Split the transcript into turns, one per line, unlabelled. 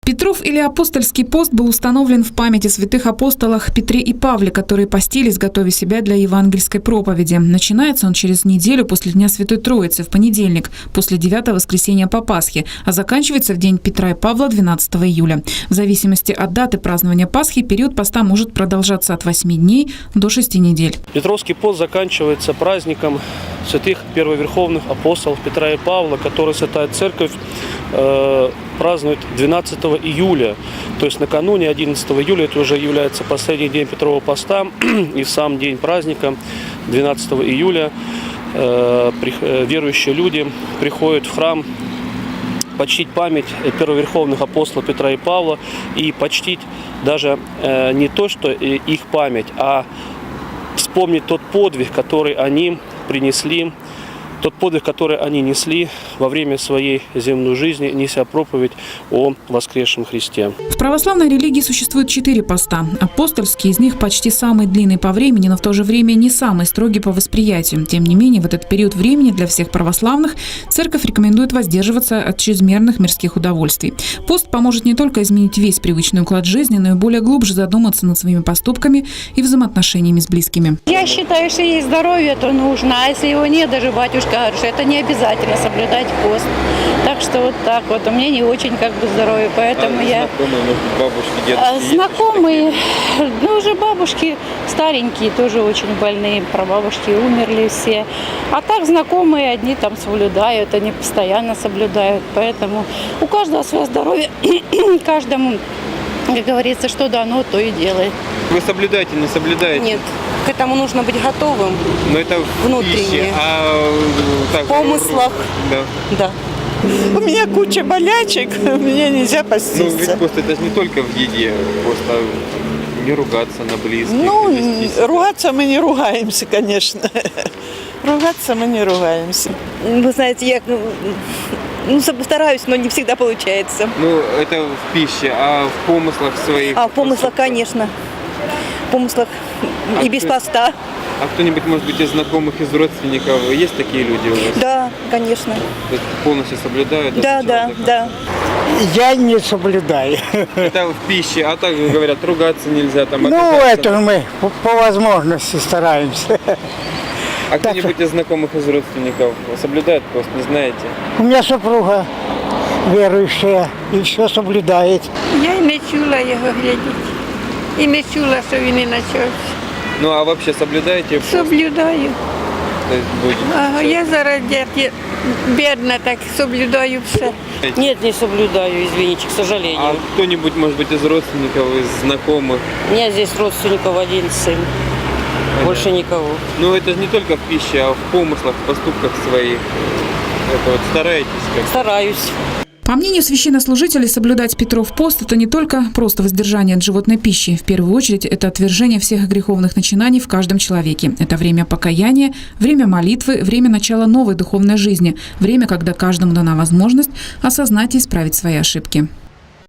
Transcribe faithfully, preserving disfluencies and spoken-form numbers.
Петров или апостольский пост был установлен в память о святых апостолах Петре и Павле, которые постились, готовя себя для евангельской проповеди. Начинается он через неделю после Дня Святой Троицы, в понедельник, после девятого воскресенья по Пасхе, а заканчивается в день Петра и Павла двенадцатого июля. В зависимости от даты празднования Пасхи период поста может продолжаться от восьми дней до шести недель.
Петровский пост заканчивается праздником святых первоверховных апостолов Петра и Павла, который Святая Церковь э, празднует двенадцатого июля. То есть накануне одиннадцатого июля, это уже является последний день Петрового поста, и в сам день праздника, двенадцатого июля, э, при, э, верующие люди приходят в храм почтить память первоверховных апостолов Петра и Павла и почтить даже э, не то, что их память, а вспомнить тот подвиг, который они принесли, тот подвиг, который они несли во время своей земной жизни, неся проповедь о воскресшем Христе.
В православной религии существует четыре поста. Апостольский из них почти самый длинный по времени, но в то же время не самый строгий по восприятию. Тем не менее, в этот период времени для всех православных церковь рекомендует воздерживаться от чрезмерных мирских удовольствий. Пост поможет не только изменить весь привычный уклад жизни, но и более глубже задуматься над своими поступками и взаимоотношениями с близкими.
Я считаю, что есть здоровье, то нужно, а если его нет, даже батюшка говорит, что это не обязательно соблюдать пост. Так что вот так вот. У меня не очень как бы здоровье, поэтому а я...
Знакомые, может, бабушки, дедушки?
А, знакомые, ну уже бабушки старенькие, тоже очень больные, прабабушки умерли все. А так знакомые одни там соблюдают, они постоянно соблюдают. Поэтому у каждого свое здоровье, каждому, как говорится, что дано, то и делает.
Вы соблюдаете, не соблюдаете?
Нет, к этому нужно быть готовым.
Но это
внутренне.
В пище, а так,
в помыслах.
Да.
Да.
У меня куча болячек, мне нельзя поститься.
Ну, ведь пост это же не только в еде, просто не ругаться на близких.
Ну, ругаться мы не ругаемся, конечно. Ругаться мы не ругаемся.
Вы знаете, я ну, стараюсь, но не всегда получается.
Ну, это в пище, а в помыслах своих?
А в помыслах, конечно. В помыслах
а
и без
кто,
поста.
А кто-нибудь, может быть, из знакомых, из родственников, есть такие люди у вас?
Да, конечно.
Полностью соблюдают?
Да, да, да.
Я не соблюдаю.
Это в пище, а так говорят, ругаться нельзя. Там,
ну, это мы по, по возможности стараемся.
А кто-нибудь из знакомых, из родственников соблюдает пост, не знаете?
У меня супруга верующая и все соблюдает.
Я не чула его глядеть. І не чула, що він і почався.
Ну, а вообще соблюдаете пост?
Соблюдаю.
То есть будете?
Ага, я зараз дядя, бедна, так соблюдаю все.
Нет, не соблюдаю, извините, к сожалению.
А кто-нибудь, может быть, из родственников, из знакомых?
У меня здесь родственников один сын. Понятно. Больше никого.
Ну, это же не только в пище, а в помыслах, в поступках своих. Это вот стараетесь как?
Стараюсь.
По мнению священнослужителей, соблюдать Петров пост – это не только просто воздержание от животной пищи. В первую очередь, это отвержение всех греховных начинаний в каждом человеке. Это время покаяния, время молитвы, время начала новой духовной жизни, время, когда каждому дана возможность осознать и исправить свои ошибки.